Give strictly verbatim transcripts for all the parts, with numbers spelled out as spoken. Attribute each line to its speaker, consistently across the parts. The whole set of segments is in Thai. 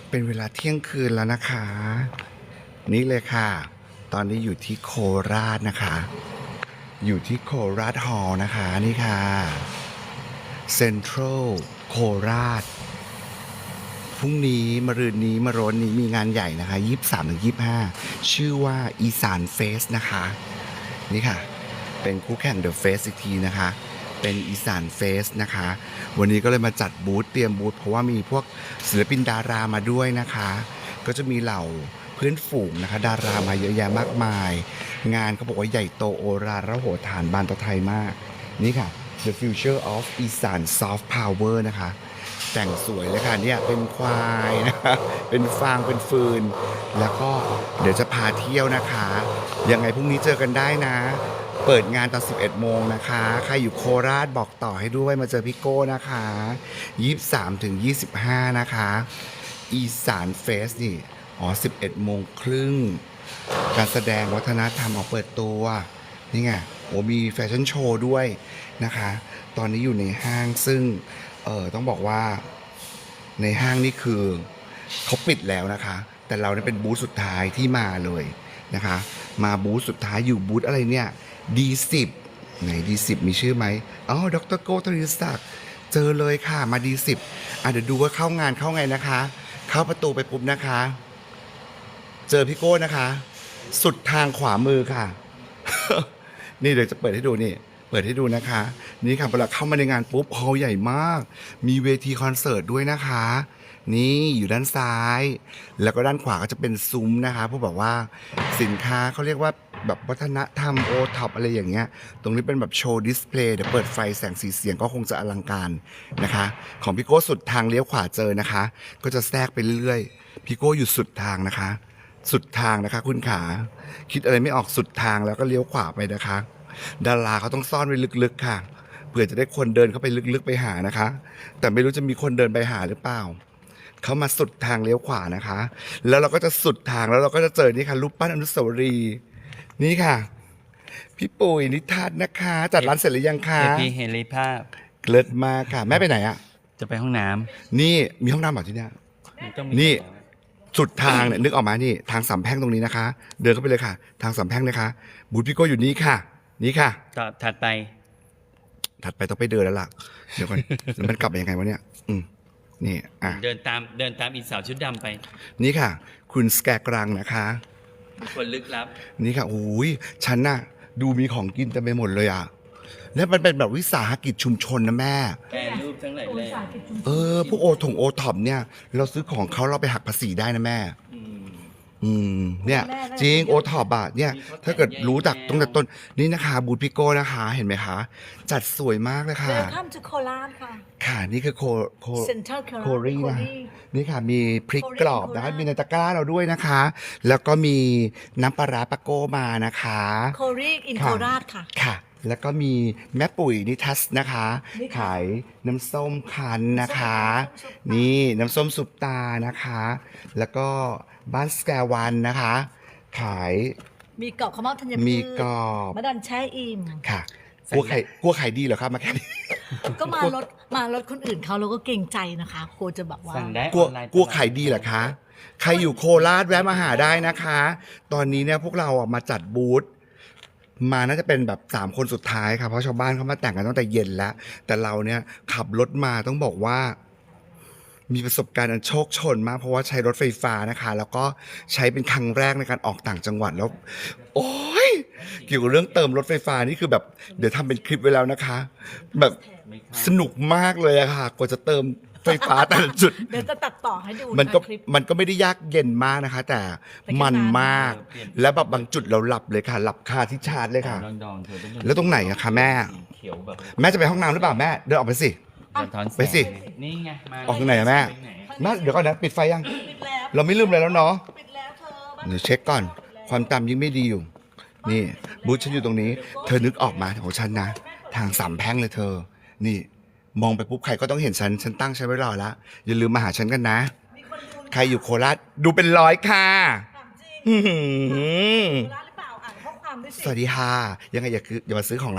Speaker 1: เป็นเวลาเที่ยงคืนแล้วนะคะ นี่เลยค่ะ ตอนนี้อยู่ที่โคราชนะคะ อยู่ที่โคราชฮอลล์นะคะนี่ค่ะเซ็นทรัลโคราชพรุ่งนี้มะรืนนี้มะโรนนี้มีงานใหญ่นะคะยี่สิบสามถึงยี่สิบห้าชื่อว่าอีสานเฟสนะคะนี่ค่ะเป็นคู่แข่งเดอะเฟสอีกทีนะคะเป็นอีสานเฟสนะคะวันนี้ก็เลยมาจัดบูธเตรียมบูธเพราะว่ามีพวกศิลปินดารามาด้วยนะคะก็จะมีเหล่าเพื่อนฝูงนะคะดารามาเยอะแยะมากมายงานเขาบอกว่าใหญ่โตโอฬารระโหฐานบานตะไทยมากนี่ค่ะ The Future of อีสาน Soft Power นะคะแต่งสวยเลยค่ะเนี่ยเป็นควายนะคะเป็นฟางเป็นฟืนแล้วก็เดี๋ยวจะพาเที่ยวนะคะยังไงพรุ่งนี้เจอกันได้นะเปิดงานตอนสิบเอ็ดโมงนะคะใครอยู่โคราชบอกต่อให้ด้วยมาเจอพี่โก้นะคะยี่สิบสามถึงยี่สิบห้านะคะอีสานเฟสนี่อ๋อสิบเอ็ดโมงครึ่งการแสดงวัฒนธรรมออกเปิดตัวนี่ไงโอ้มีแฟชั่นโชว์ด้วยนะคะตอนนี้อยู่ในห้างซึ่งเออต้องบอกว่าในห้างนี่คือเขาปิดแล้วนะคะแต่เราเนี่ยเป็นบูธสุดท้ายที่มาเลยนะคะมาบูธสุดท้ายอยู่บูธอะไรเนี่ย ดี สิบ ไหน ดี สิบ มีชื่อไหมอ๋อดรโก้ ทวีศักดิ์เจอเลยค่ะมา ดี สิบ อ่ะเดี๋ยวดูว่าเข้างานเข้าไงนะคะเข้าประตูไปปุ๊บนะคะเจอพี่โก้นะคะสุดทางขวามือค่ะ นี่เดี๋ยวจะเปิดให้ดูนี่เปิดให้ดูนะคะนี่ค่ะเวลาเข้ามาในงานปุ๊บฮอลล์ใหญ่มากมีเวทีคอนเสิร์ตด้วยนะคะนี่อยู่ด้านซ้ายแล้วก็ด้านขวาก็จะเป็นซุ้มนะคะพวกแบบว่าสินค้าเขาเรียกว่าแบบวัฒนธรรมโอท็อปอะไรอย่างเงี้ยตรงนี้เป็นแบบโชว์ดิสเพลย์เดี๋ยวเปิดไฟแสงสีเสียงก็คงจะอลังการนะคะของพี่โก้สุดทางเลี้ยวขวาเจอนะคะก็จะแทรกไปเรื่อยๆพี่โก้อยู่สุดทางนะคะสุดทางนะคะคุณขาคิดอะไรไม่ออกสุดทางแล้วก็เลี้ยวขวาไปนะคะดาราเขาต้องซ่อนไว้ลึกๆค่ะเผื่อจะได้คนเดินเข้าไปลึกๆไปหานะคะแต่ไม่รู้จะมีคนเดินไปหาหรือเปล่าเขามาสุดทางเลี้ยวขวานะคะแล้วเราก็จะสุดทางแล้วเราก็จะเจอนี่ค่ะรูปปั้นอนุสาวรีย์นี่ค่ะพี่ปุ๋ยนิทัศน์นะคะจัดร้านเสร็จหรือยังคะ
Speaker 2: เอพีเฮลิภาพ
Speaker 1: เลิศมากค่ะแม่ไปไหนอ่ะ
Speaker 2: จะไปห้องน้
Speaker 1: นี่มีห้องน้ำแบบที่เนี่ย
Speaker 2: ำมันก็มี
Speaker 1: นี่สุดทางเนี่ยนึกออกมานี่ทางสามแพร่งตรงนี้นะคะ เดินเข้าไปเลยค่ะ ทางสามแพร่งนะคะบูธพี่โก้อยู่นี่ค่ะ นี่ค่ะ
Speaker 2: ต่อถัดไป
Speaker 1: ถัดไปต้องไปเดินแล้วล่ะเดี๋ยวก่อนแล้วมันกลับไปยังไงวะเนี่ยอืมนี่อ่ะ
Speaker 2: เดินตามเดินตามอีสาวชุดดำไป
Speaker 1: นี่ค่ะ คุณสแกกรังนะคะ
Speaker 2: คนลึกลับ
Speaker 1: นี่ค่ะโอ้ยฉันน่ะดูมีของกินเต็มไปหมดเลยอ่ะแล้วมันเป็นแบบวิสาหกิจชุมชนนะแม่
Speaker 2: แปรรูปทั้งหลายแหล่
Speaker 1: เออพวกโอถงโอท็อปเนี่ยเราซื้อของเขาเราไปหักภาษีได้นะแม่
Speaker 2: อืม
Speaker 1: อืมเนี่ยจริงโอท็อปอะเนี่ยถ้าเกิดรู้จักตั้งแต่ต้นนี่นะคะบูธพิโก้นะคะเห็นไหมคะจัดสวยมากเลยค่ะ
Speaker 3: Welcome to โคราชค่ะ
Speaker 1: ค่ะนี่คือโคโค
Speaker 3: Central
Speaker 1: โครีนะ
Speaker 3: Korea
Speaker 1: นี่ค่ะมีพริก
Speaker 3: โครี
Speaker 1: กรอบนะคะ
Speaker 3: โคราช
Speaker 1: มีในตะกร้าเราด้วยนะคะ แล้วก็มีน้ำปลาร้าปาโก้มานะคะ
Speaker 3: โครีอิน
Speaker 1: ค่ะ
Speaker 3: โคราชค่ะ
Speaker 1: ค่ะ แล้วก็มีแม่ปุ๋ยนิทัศน์นะคะ
Speaker 3: นี่ค่ะ
Speaker 1: ขายน้ำส้มคั้นนะคะ
Speaker 3: น้ำส้ม
Speaker 1: นี่น้ำส้มสุปตานะคะ แล้วก็บ้านสแกวันนะคะ ขาย
Speaker 3: มีกรอบข้าวเม่าธัญพืช
Speaker 1: มีกรอบ
Speaker 3: มะดันแช่อิ่ม
Speaker 1: ค่ะกลัวไข่กลัวไข่ดีเหรอครับมาแค่นี้
Speaker 3: ก็มารถมารถคนอื่นเขาเราก็เกรงใจนะคะโคจะแบบว่า
Speaker 2: สั่งได้
Speaker 1: กลัว
Speaker 2: ออนไลน์
Speaker 1: กลัวไข่ดีเหรอคะ ใครอยู่โคราชแวะมาหาได้นะคะ ตอนนี้เนี่ยพวกเราอ่ะมาจัดบูธมาน่าจะเป็นแบบสามคนสุดท้ายค่ะเพราะชาวบ้านเขามาแต่งกันตั้งแต่เย็นแล้ว แต่เราเนี่ยขับรถมาต้องบอกว่า มีประสบการณ์อันโชคโชนมากเพราะว่าใช้รถไฟฟ้านะคะ แล้วก็ใช้เป็นครั้งแรกในการออกต่างจังหวัดแล้ว โอ้ยเกี่ยวกับเรื่องเติมรถไฟฟ้านี่คือแบบเดี๋ยวทำเป็นคลิปไว้แล้วนะคะ แบบสนุกมากเลยอะค่ะกว่าจะเติมไฟฟ้าแต่ละจุด
Speaker 3: เดี๋ยวจะตัดต่อให้ดู
Speaker 1: มันก็
Speaker 3: ะคลิป
Speaker 1: มันก็ไม่ได้ยากเย็นมากนะคะ แต่
Speaker 3: แต่ก็
Speaker 1: มัน
Speaker 3: นาน
Speaker 1: มาก แล้วแบบบางจุดเราหลับเลยค่ะ หลับคาที่ชาร์จเลยค่ะ
Speaker 2: ดองดองๆเธอต้อง
Speaker 1: แล้วตรงไหนอะคะแม่
Speaker 2: สีเขียวแบบ
Speaker 1: แม่จะไปห้องน้ำหรือเปล่าแม่เดินออกไปสิ
Speaker 2: สะท้อนแสง
Speaker 1: ไปสิ
Speaker 2: นี่ไงมา
Speaker 1: ออกทางไหนอะแม่
Speaker 2: ไปไหน
Speaker 1: แม่เดี๋ยวก่อนนะปิดไฟยัง
Speaker 3: ปิดแล้ว
Speaker 1: เราไม่ลืมเลยแล้วเนาะ
Speaker 3: ปิดแล้วเธอบ้าน
Speaker 1: เดี๋ยวเช็คก่อน ความจำยิ่งไม่ดีอยู่ นี่บูธฉันอยู่ตรงนี้ เธอนึกออกมาของฉันนะ ทางสามแพร่งเลยเธอ นี่ มองไปปุ๊บใครก็ต้องเห็นฉัน ฉันตั้งฉันไว้รอแล้ว อย่าลืมมาหาฉันกันนะ
Speaker 3: มีคนดู
Speaker 1: ใครอยู่โคราชดูเป็นร้อยค่ะ
Speaker 3: ถามจริง
Speaker 1: อื้อหือ
Speaker 3: โคราชหรือเปล่าอ่านข้อความด้วยสิ
Speaker 1: สวัสดีค่ะ ยังไงอย่าคืออย่ามาซื้อของร้านเบ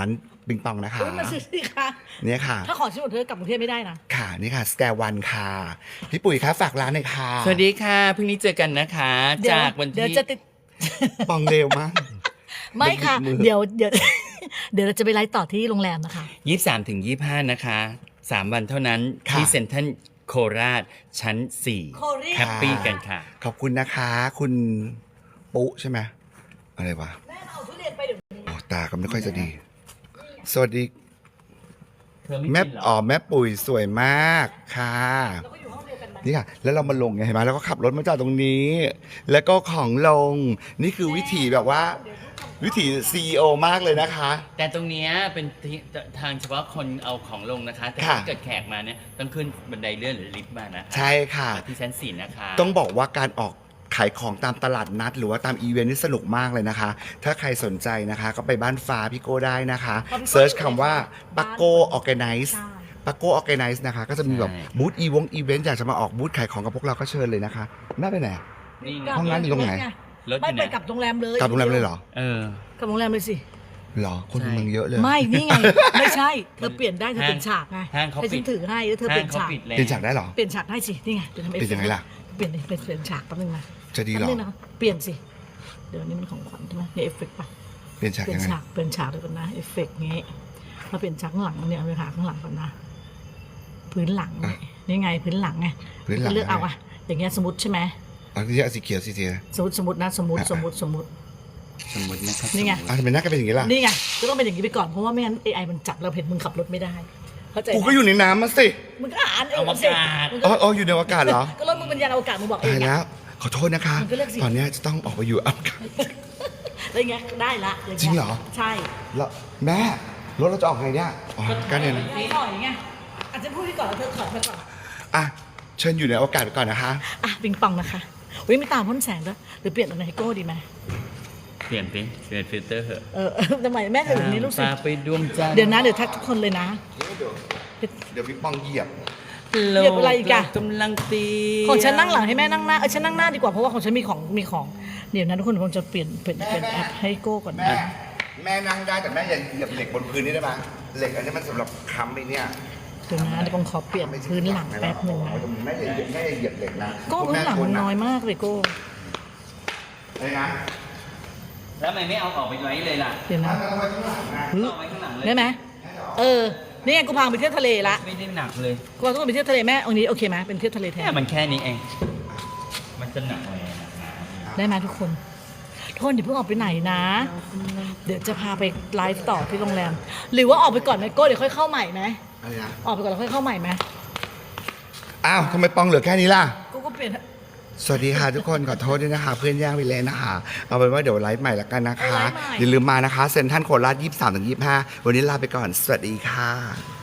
Speaker 1: ปิงปองนะคะ
Speaker 3: อุ๊ยมาซื้อสิคะ
Speaker 1: เนี่ยค่ะ
Speaker 3: ถ้าของชิ้นหมดเธอกลับกรุงเทพไม่ได้นะ
Speaker 1: ค่ะนี่ค่ะสแกวันค่ะพี่ปุ๋ยคะฝากร้านหน่อยค่ะ
Speaker 2: สวัสดีค่ะพรุ่งนี้เจอกันนะคะ
Speaker 3: เดี๋ยว
Speaker 2: จากวัน
Speaker 3: เดี๋ยว
Speaker 2: ที่
Speaker 3: จะติด
Speaker 1: ปองเร็วมาก
Speaker 3: ไม่ค่ะ
Speaker 1: มือ
Speaker 3: เดี๋ยวเดี๋ยว เดี๋ยวเราจะไปไลฟ์ต่อที่โรงแรมนะคะ
Speaker 2: ยี่สิบสามถึงยี่สิบห้านะคะสามวันเท่านั้น
Speaker 1: ค่ะ
Speaker 2: ที่เซ็นทรัลโคราชชั้นสี่
Speaker 3: โคเรีย
Speaker 2: แฮปปี้กันค่ะ
Speaker 1: ขอบคุณนะคะ คุณปุ๊ใช่ไหมอะไรวะ
Speaker 3: แม่มาเอาทุเรียนไปเดี๋ยว
Speaker 1: โอ้ตาก็ไม่ค่อยจะดี สวัสดี
Speaker 2: เธอไม่
Speaker 1: แม่
Speaker 2: กินเหรอ
Speaker 1: อ๋อแม่ปุ๋ยสวยมากค่ะ
Speaker 3: เราก็อยู่ห้องเดียวกันไหม
Speaker 1: นี่ค่ะ แล้วเรามาลงไงเห็นไหมแล้วก็ขับรถมาจอดตรงนี้ แล้วก็ของลง นี่คือวิถีแบบว่า วิถีซีอีโอมากเลยนะคะ
Speaker 2: แต่ตรงเนี้ยเป็นที่ทางเฉพาะคนเอาของลงนะคะ แต่
Speaker 1: ค่ะ
Speaker 2: ถ้าเกิดแขกมาเนี่ยต้องขึ้นบันไดเลื่อนหรือลิฟต์มานะคะ
Speaker 1: ใช่ค่ะ
Speaker 2: ที่ชั้นสี่นะคะ
Speaker 1: ต้องบอกว่าการออกขายของตามตลาดนัด หรือว่าตามอีเวนต์นี่สนุกมากเลยนะคะ ถ้าใครสนใจนะคะ ก็ไปบ้านฟ้าพี่โก้ได้นะคะเซิร์ชคำว่าปักโก้ออแกไนซ์
Speaker 3: ใช่
Speaker 1: ปักโก้ออแกไนซ์นะคะ ก็จะมีแบบบูธอีวงอีเวนต์อยากจะมาออกบูธขายของกับพวกเราก็เชิญเลยนะคะแม่ไปไหน
Speaker 2: นี่ไง
Speaker 1: ห้องน้ำอยู่ตรงไหน
Speaker 2: รถอ
Speaker 3: ไม่
Speaker 2: ยู่
Speaker 3: ไป
Speaker 2: ไหน
Speaker 3: กลับโรงแรมเลย
Speaker 1: กลับโรงแรมเลยเหรอ
Speaker 2: เออ
Speaker 3: กลับโรงแรมเลยสิ
Speaker 1: เหรอคน
Speaker 2: ใช่
Speaker 1: เมืองเยอะเลย
Speaker 3: ไม่นี่ไง ไม่ใช่ เธอเปลี่ยนได้เธอเปลี่ยนฉากไง
Speaker 2: ห้างเขา
Speaker 3: ให้
Speaker 2: ปิ
Speaker 3: ฉั
Speaker 2: ด
Speaker 3: นถือให้แล้วเธอเป
Speaker 2: ห้า
Speaker 3: ลี่
Speaker 2: ง
Speaker 3: ยน
Speaker 2: เขา
Speaker 3: ฉาก
Speaker 2: ปิดแล้ว
Speaker 1: เปลี่ยนฉากได้เหรอ
Speaker 3: เปลี่ยนฉากให้สินี่ไงเดี๋ยวทำเอฟ
Speaker 1: เปลี่ยนยังไงล่ะ
Speaker 3: เปลี่ยนดิเป็นเปลี่ยนฉากแป๊บนึงนะ
Speaker 1: จะดีเหร
Speaker 3: แป๊
Speaker 1: อบ
Speaker 3: นึงนะเปลี่ยนสิเดี๋ยวนี้มันของขวัญใช่ไหมเนี่ยเอฟเฟกต์ป่ะ
Speaker 1: เปลี่ยนฉาก
Speaker 3: เปลี่ย
Speaker 1: ยั
Speaker 3: น
Speaker 1: งไง
Speaker 3: ฉากเปลี่ยนฉากเลยก่อนนะเอฟเฟกต์งี้มาเปลี่ยนฉากข้างหลังเนี่ยเอาไปหาข้างหลังก่อนนะพื้นหลังนี่นี่ไงพื้นหลังไง
Speaker 1: พื้นหลัง
Speaker 3: ก็เลือกเอาอะอย่างเงี้ยสมมติใช่ไหม
Speaker 1: เอาที่สีเขียวสีเขียว
Speaker 3: สมมติสมมตินะสมมติสมมติสมมติ
Speaker 2: สมมตินะครับ
Speaker 3: นี่ไง
Speaker 1: อ่ะทำไมหน้าก็เป็นอย่างนี้ล่ะ
Speaker 3: นี่ไงก็ต้องเป็นอย่างนี้ไปก่อนเพราะว่าไม่งั้น เอ ไอ มันจับเราเห็นมึงขับรถไม่ได้เข้าใจไหม
Speaker 1: กูก็อยู่ในน้ำมาสิ
Speaker 3: มึงก็อ่านเอ
Speaker 2: เอา
Speaker 3: ง
Speaker 2: มา
Speaker 3: สิ
Speaker 2: กาศ
Speaker 3: มึง
Speaker 1: อ๋
Speaker 3: ก็
Speaker 1: ออ๋ออยู่ในอากาศเหรอ
Speaker 3: ก็รถมึงเป็นยานอวกาศมึงบอกเอ
Speaker 1: ตาย
Speaker 3: ง
Speaker 1: แล้ว ขอโทษนะคะ
Speaker 3: มันก็เลือกสิ
Speaker 1: ตอนเนี้ยจะต้องออกไปอยู่อากาศ
Speaker 3: อะไรเงี้ยได้ละย่า
Speaker 1: จริงเหรอ
Speaker 3: ใช่
Speaker 1: แล้วแม่รถเราจะออกไงเนี่ยอ๋อกันเนี่ยนะ
Speaker 3: ไม่ถอยไงอาจจะพูดที่ก่อนแล้วเธอถอยมาก่อน
Speaker 1: อ่ะเชิญอยู่ในอากาศไปก่อนนะคะ
Speaker 3: อ่ะปิงปองนะคะอุ้ยไม่ตามพ่นแสงด้วยหรือเปลี่ยนเป็นไฮโก้ดีไหม
Speaker 2: เปลี่ยนสิเปลี่ยนฟิลเตอร์เถอะ
Speaker 3: เออเออทำไมแม่ถือแบบนี้ลูกศิษ
Speaker 2: พา
Speaker 3: ย์
Speaker 2: ไปดวงจันทร์
Speaker 3: เดี๋ยวนะเดี๋ยวทักทุกคนเลยนะ
Speaker 1: เดี๋ยวเดี๋ยวพี่ปองเหยียบ
Speaker 2: โล
Speaker 3: เหยียบอะไรอีกอะ
Speaker 2: กำลังตี
Speaker 3: ของฉันนั่งหลังให้แม่นั่งหน้าเออฉันนั่งหน้าดีกว่าเพราะว่าของฉันมีของมีของเดี๋ยวนะทุกคนคงจะเปลี่ยนเปลี่ยนเปลี่ยนแอปให้โก้ก่อน
Speaker 1: แม่ แม่นั่งได้แต่แม่อย่าเหยียบเหล็กบนพื้นนี่ได้ไหมเหล็กอันนี้มันสำหรับค้ำไปเนี่ย
Speaker 3: เดี๋ยวนะเดี๋ยวผมขอเปลี่ยนพื้นหลังแป๊บหนึ่งนะ
Speaker 1: แม่อย่าเหยียบแม่อย่าเหยียบเหล็กนะ
Speaker 3: โก้พื้นหลังมันน้อยมากเลยโก้
Speaker 1: เลยนะ
Speaker 2: แล้วทำไมไม่เอาออกไปไว้เลยล่ะ
Speaker 3: เดี๋ยวนะ
Speaker 1: เอาไว้ข้างหลังนะ
Speaker 2: เอาไว้ข้างหลังเลย
Speaker 3: ได้ไหมเออนี่ไงกูพาไปเที่ยวทะเลละ
Speaker 2: ไม่ได้หนักเลย
Speaker 3: กูพาทุกคนไปเที่ยวทะเลแม่องนี้โอเคไหมเป็นเที่ยวทะเลแท
Speaker 2: แค่
Speaker 3: น
Speaker 2: มันแค่นี้เอง มันจะหนักเลยนะ
Speaker 3: ได้ไหมทุกคนทุกคนอย่าเพิ่งออกไปไหนนะ เดี๋ยวจะพาไปไลฟ์ต่อที่โรงแรม หรือว่าออกไปก่อนไหมโก้เดี๋ยวค่อยเข้าใหม่ไหม
Speaker 1: อะไรนะ
Speaker 3: ออกไปก่อนแล้วค่อยเข้าใหม่ไหม
Speaker 1: อ้าวทำไมปองเหลือแค่นี้ล่ะ
Speaker 3: กูก็เปลี่ยน
Speaker 1: สวัสดีค่ะทุกคนขอโทษด้วยนะคะ เพื่อนแย่งไปเลยนะคะเอาเป็นว่าเดี๋ยวไลฟ์ใหม่ละกันนะคะ อย่าลืมมานะคะเซ็นทรัลโคราชยี่สิบสามถึงยี่สิบห้าวันนี้ลาไปก่อน สวัสดีค่ะ